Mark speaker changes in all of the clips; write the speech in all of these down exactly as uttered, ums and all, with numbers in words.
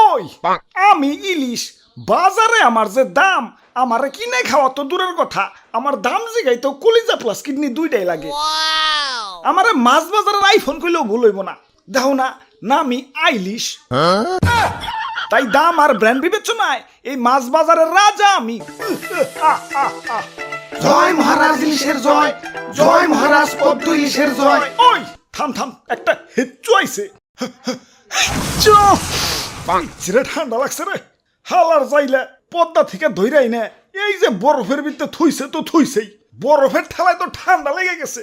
Speaker 1: ওই আমি ইলিশ বাজারে আমার যে দাম আমার কিনে খাওয়া তো দূরের কথা আমার দাম জিগাই তো কলিজা প্লাস কিডনি দুইটাই লাগে আমার মাছ বাজারের আইফোন কইলেও ভুল হইব না দেখো না নামি আইলিশ তাই দাম আর ব্র্যান্ড বিবেচনায় এই মাছ বাজারের রাজা আমি
Speaker 2: জয় মহারাজ ইলিশের জয় জয় মহারাজ পদ্ম ইলিশের জয়।
Speaker 1: ওই থাম থাম একটা হেচ্চু আইছে চিরে ঠান্ডা লাগছে রে হালার যাইলে পদ্মা থেকে ধইরাই না এই যে বরফের ভিতরে থুইছে তো থুইছেই বরফের ঠেলায় তো ঠান্ডা লেগে গেছে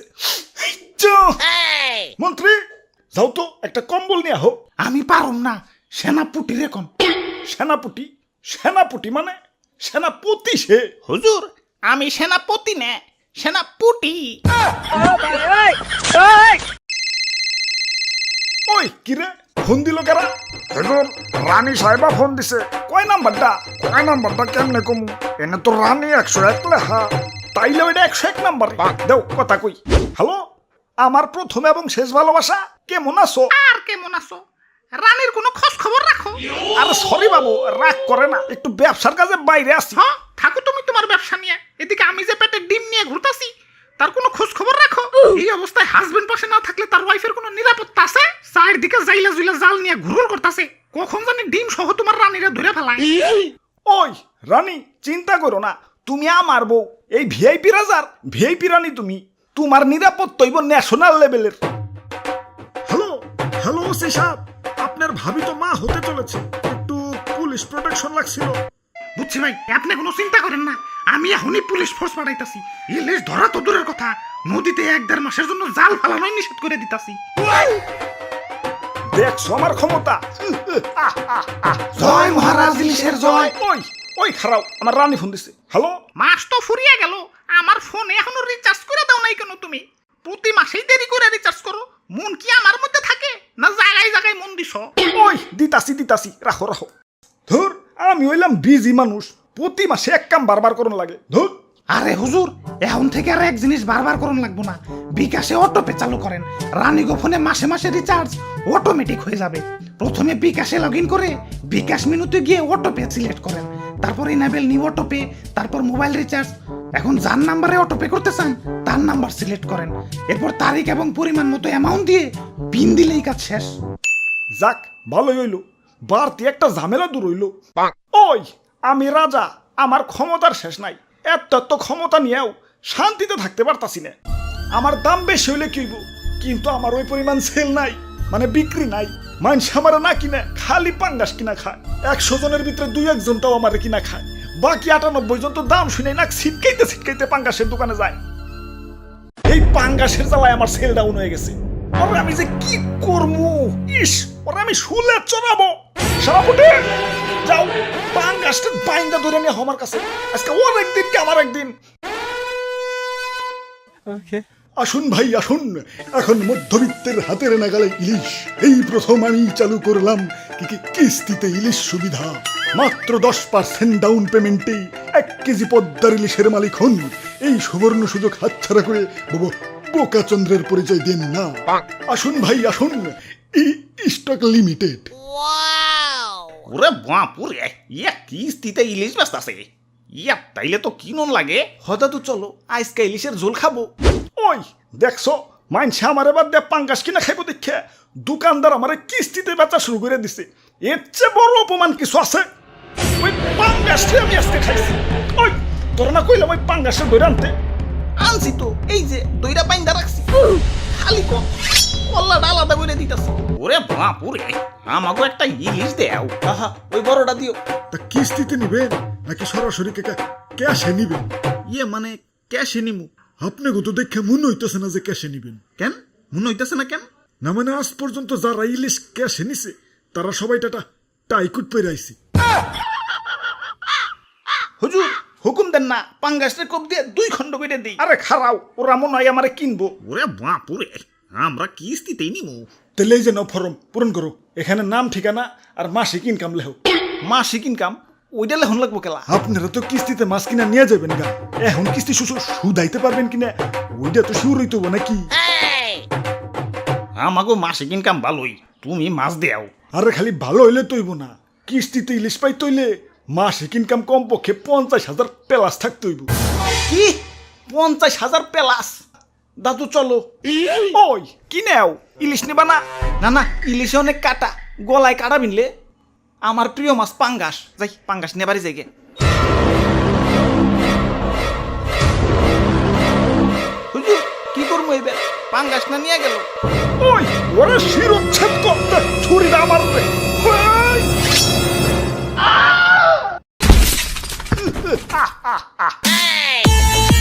Speaker 1: মন্ত্রী যাও তো একটা কম্বল নিয়ে আহো।
Speaker 2: আমি পারুম না সেনাপুটি রে কোন
Speaker 1: সেনাপতি সেনাপতি মানে সেনাপতি সে
Speaker 2: হুজুর আমি সেনাপতি না সেনাপুটি।
Speaker 1: ওই কিরে ফোন দিল কারা হুজুর রানী সাহেবা ফোন দিছে কয় নাম্বারটা কয় নাম্বারটা কেমনে কমু এনে তো রানী একশো এক লেখা তাইলে ওইটা একশো এক নাম্বার দেও কথা কই হ্যালো আমার প্রথম এবং শেষ ভালোবাসা কেমন আছো
Speaker 2: আর কেমন আছো রানীর কোনো খোঁজ খবর রাখো।
Speaker 1: আরে সরি বাবু রাগ করে না একটু ব্যবসার কাজে বাইরে আসি।
Speaker 2: হ্যাঁ থাকো তুমি তোমার ব্যবসা নিয়ে এদিকে আমি যে পেটে ডিম নিয়ে ঘুরতাছি তার কোনো খোঁজ খবর রাখো। এই অবস্থায় হাজবেন্ড পাশে না থাকলে তার ওয়াইফের কোনো নিরাপত্তা আছে চারদিকে জাইলা জুইলা জাল নিয়ে ঘুরঘুর করতেছে কখন জানি ডিম সহ তোমার রানীরা ধরে ফেলায়।
Speaker 1: ওই রানী চিন্তা করো না তুমি আমার বউ এই ভিআইপি রাজার ভিআইপি রানী তুমি তোমার নিরাপত্তা হইব ন্যাশনাল লেভেলের। হ্যালো হ্যালো ওসি সাহেব আপনার ভাবি তো মা হতে চলেছে একটু পুলিশ প্রোটেকশন লাগছিল।
Speaker 2: বুঝছি ভাই আপনি কোনো চিন্তা করেন না আমি এখনই পুলিশ ফোর্স পাঠাইতাছি ইলিশ ধরা তো দূরের কথা নদীতে এক দেড় মাসের জন্য জাল ফালানোই নিষেধ করে দিতাছি।
Speaker 1: দেখছো আমার ক্ষমতা।
Speaker 2: জয় মহারাজ ইলিশের জয়।
Speaker 1: ওই ওই খারাপ আমার রানী ফোন দিছে হ্যালো
Speaker 2: মাস তো ফুরিয়ে গেল আমার ফোনে এখনো রিচার্জ করে দাও নাই কেন তুমি প্রতি মাসেই দেরি করে রিচার্জ করো মন কি আমার মধ্যে থাকে না জায়গায় জায়গায় মন দিছো।
Speaker 1: ওই দিতাছি দিতাছি রাখো রাখো ধুর আমি হইলাম বিজি মানুষ প্রতি মাসে এক কাম বারবার করুন লাগে ধুর।
Speaker 2: আরে হুজুর এখন থেকে আর এক জিনিস বারবার করুন লাগবো না বিকাশে অটোপে চালু করেন রানীগো ফোনে মাসে মাসে রিচার্জ অটোমেটিক হয়ে যাবে প্রথমে বিকাশে লগ ইন করে বিকাশ মেনুতে গিয়ে অটোপে সিলেক্ট করেন তারপর ইনেবল নিউ অটোপে তারপর মোবাইল রিচার্জ এখন যার নাম্বারে অটোপে করতে চান তার নাম্বার সিলেক্ট করেন এরপর তারিখ এবং পরিমাণ মতো অ্যামাউন্ট দিয়ে পিন দিলেই কাজ শেষ।
Speaker 1: যাক ভালোই হইলো বাড়তি একটা ঝামেলা দূর হইলো। ওই আমি রাজা আমার ক্ষমতার শেষ নাই এত এত ক্ষমতা নিয়েও শান্তিতে থাকতে পারতাছি না আমার দাম বেশি হইলে কি হইব কিন্তু আমার ওই পরিমাণ সেল নাই মানে বিক্রি নাই মানুষ আমার না কিনে খালি পাঙ্গাস কিনা খায় একশো জনের ভিতরে দুই একজনটাও আমার কিনা খায় বাকি আটানব্বই জন তো দাম শুনে না ছিটকাইতে ছিটকাইতে পাঙ্গাসের দোকানে যায় এই পাঙ্গাসের জ্বালায় আমার সেল ডাউন হয়ে গেছে ওরে আমি যে কি করবো ইস ওরে আমি শুলে চড়াবো সারাপুটে যাও পাঙ্গাসটা বাইন্দা ধরে নিয়ে আমার কাছে আজকে ওর একদিন কে আমার একদিন। আসুন ভাই আসুন এখন মধ্যবিত্তের হাতের নাগালে ইলিশ এই প্রথম আমি চালু করলাম কি কি কিস্তিতে ইলিশ সুবিধা মাত্র দশ পার্সেন্ট ডাউন পেমেন্টে এক কেজি পদ্মার ইলিশের মালিক হন এই সুবর্ণ সুযোগ হাতছাড়া করে বাবু বোকা চন্দ্রের পরিচয় দেন না। আসুন ভাই আসুন স্টক লিমিটেড।
Speaker 2: ওরে বাপুরে ইয়া কিস্তিতে ইলিশ ব্যস্ত আছে ইয়া তাইলে তো কিনন লাগে
Speaker 1: হয়তো তো চলো আজকে ইলিশের ঝোল খাবো। ওই দেখছো মাইনছে আমার এবার দিয়ে পাঙ্গাস কিনা খাইবো দেখে দোকানদার আমার কিস্তিতে বেচা শুরু করে দিছে এর চেয়ে বড় অপমান কিছু আছে ওই পাঙ্গাসটা আমি আজকে খাইছি। ওই তোর না কইলাম ওই পাঙ্গাসটা ধরে আনতে
Speaker 2: আনছি তো এই যে দইরা বাইন্দা রাখছি খালি কম কল্লাটা আলাদা করে দিতেছি। ওরে বাপুরে আমাকে একটা ইলিশ দেও আহা ওই বড়টা দিও।
Speaker 1: তা কিস্তিতে নিবেন নাকি সরাসরি ক্যাশে নিবেন?
Speaker 2: ইয়ে মানে ক্যাশে নিমু।
Speaker 1: আপনি তো দেখে মনে হইতেছে না যে ক্যাশে নিবেন।
Speaker 2: কেন মনে হইতেছে না কেন?
Speaker 1: না মানে আজ পর্যন্ত যারা ইলিশ ক্যাশে নিছে তারা সবাই টাটা টাইকুট পেরে আইছে।
Speaker 2: হুজুর হুকুম দেন না পাঙ্গাসটা কোপ দিয়ে দুই খণ্ড করে দেই।
Speaker 1: আরে খারাও ওরা মনে হয় আমারে কিনবো।
Speaker 2: ওরে বাপুরে আমরা কিস্তিতেই নিমু।
Speaker 1: তাহলে এই যে নাও ফর্ম পূরণ করো এখানে নাম ঠিকানা আর মাসিক ইনকাম লেখো।
Speaker 2: মাসিক ইনকাম ওইটা লেখন লাগবো কেলা?
Speaker 1: আপনারা তো কিস্তিতে মাছ কিনা নিয়ে যাবেন গা এখন কিস্তি সুদাইতে পারবেন কিনা ওইটা তো শুরু হইতো নাকি?
Speaker 2: আমাকে মাসিক ইনকাম ভালোই তুমি মাছ দেও।
Speaker 1: আরে খালি ভালো হইলে তৈব না কিস্তিতে ইলিশ পাই তৈলে মাসিক ইনকাম কমপক্ষে পঞ্চাশ হাজার প্লাস থাকতে হইব। কি পঞ্চাশ হাজার প্লাস? দাদু চলো। ওই কি নেও, ইলিশ নেবা না? না না, ইলিশে অনেক কাটা, গলায় কাটা বিনলে। আমার প্রিয় মাছ পাঙ্গাস, যাই পাঙ্গাস নেবারই যাই গে। হুজুর কি করবো এবার, পাঙ্গাস না নিয়ে গেল। ওই ওরে শিরোচ্ছেদ করতে ছুরিটা আমার রে। ওই!